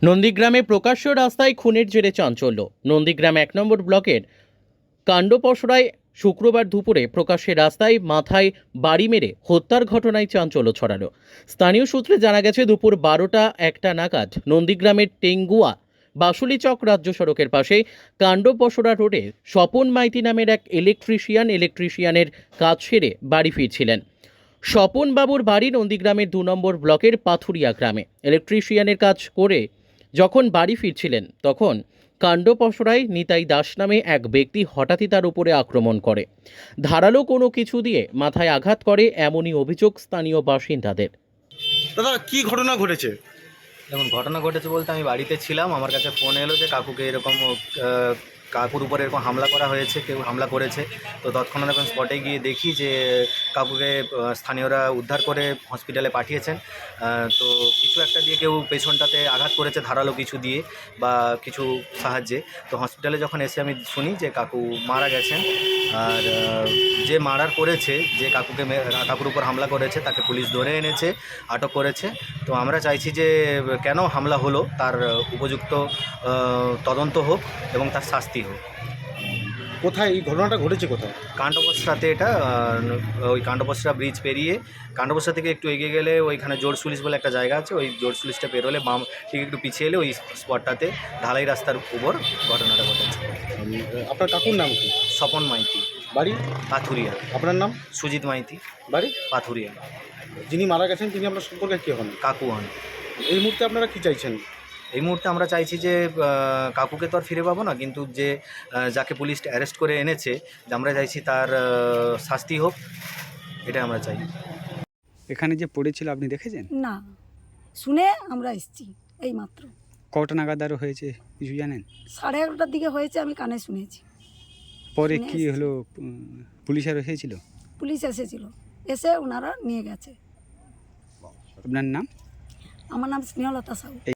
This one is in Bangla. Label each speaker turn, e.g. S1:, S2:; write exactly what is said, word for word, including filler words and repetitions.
S1: নন্দীগ্রামে প্রকাশ্য রাস্তায় খুনের জেরে চাঞ্চল্য। নন্দীগ্রাম এক নম্বর ব্লকের কাণ্ডপসরায় শুক্রবার দুপুরে প্রকাশ্যে রাস্তায় মাথায় বাড়ি মেরে হত্যার ঘটনায় চাঞ্চল্য ছড়ালো। স্থানীয় সূত্রে জানা গেছে, দুপুর বারোটা একটা নাগাদ নন্দীগ্রামের টেঙ্গুয়া বাসুলিচক রাজ্য সড়কের পাশে কাণ্ডপসরা রোডে স্বপন মাইতি নামের এক ইলেকট্রিশিয়ান ইলেকট্রিশিয়ানের কাজ সেরে বাড়ি ফিরছিলেন। স্বপন বাবুর বাড়ি নন্দীগ্রামের দু নম্বর ব্লকের পাথুরিয়া গ্রামে। ইলেকট্রিশিয়ানের কাজ করে যখন বাড়ি ফিরছিলেন, তখন কাণ্ডপসরায় নিতাই দাস নামে এক ব্যক্তি হঠাৎই তার উপরে আক্রমণ করে, ধারালো কোনো কিছু দিয়ে মাথায় আঘাত করে, এমনই অভিযোগ স্থানীয় বাসিন্দাদের।
S2: দাদা, কি ঘটনা ঘটেছে?
S3: দেখুন, ঘটনা ঘটেছে বলতে আমি বাড়িতে ছিলাম, আমার কাছে ফোন এলো যে কাকুকে এরকম আহ, কাকুর উপরে এরকম হামলা করা হয়েছে, কেউ হামলা করেছে। তো তৎক্ষণাৎ এখন স্পটে গিয়ে দেখি যে কাকুকে আহ, স্থানীয়রা উদ্ধার করে হসপিটালে পাঠিয়েছেন। আহ, তো কিছু একটা দিয়ে কেউ পেছনটাতে আঘাত করেছে ধারালো কিছু দিয়ে বা কিছু সাহায্যে। তো হসপিটালে যখন এসে আমি শুনি যে কাকু মারা গেছেন। আর আহ, যে মার্ডার করেছে, যে কাকুকে মে- কাকুর উপর হামলা করেছে, তাকে পুলিশ ধরে এনেছে, আটক করেছে। তো আমরা চাইছি যে কেন হামলা হলো তার উপযুক্ত আহ, তদন্ত হোক এবং তার শাস্তি হোক।
S2: কোথায় এই ঘটনাটা ঘটেছে? কোথায়?
S3: কাণ্ডপসরাতে এটা আহ, ওই কাণ্ডপসরা ব্রিজ পেরিয়ে কাণ্ডপসরা থেকে একটু এগিয়ে গেলে ওইখানে জোরসুলিশ বলে একটা জায়গা আছে, ওই জোরসুলিশটা পেরোলে বাম ঠিক একটু পিছিয়ে এলে ওই স্পটটাতে ঢালাই রাস্তার উপর ঘটনাটা ঘটেছে।
S2: উম, আপনার কাকুর নাম কি?
S3: স্বপন মাইতি,
S2: বাড়ি?
S3: পাথুরিয়া।
S2: আপনার নাম?
S3: সুজিত মাইতি,
S2: বাড়ি?
S3: পাথুরিয়া।
S2: যিনি মারা গেছেন তিনি আপনার সম্পর্কে কি হন?
S3: কাকু হন।
S2: এই মুহূর্তে আপনারা কি চাইছেন?
S3: এই মুহূর্তে আমরা চাইছি যে আহ, কাকুকে তো আর ফিরে পাবো না, কিন্তু যে আহ, যাকে পুলিশ অ্যারেস্ট করে এনেছে, যে আমরা চাইছি তার আহ, শাস্তি হোক, এটা আমরা চাই।
S4: এখানে যে পড়েছিল আপনি দেখেছেন?
S5: না, শুনে আমরা এসেছি এই মাত্র।
S4: কটা নাগাদ আরও হয়েছে কিছু জানেন?
S5: সাড়ে এগারোটার দিকে হয়েছে, আমি কানে শুনেছি।
S4: পরে
S5: শুনে
S4: কি
S5: এসেছি।
S4: হলো? উম, পুলিশ আর এসেছিল?
S5: পুলিশ এসেছিল, এসে ওনারা নিয়ে গেছে।
S4: আপনার নাম?
S5: আমার নাম স্নেহলতা সাউ।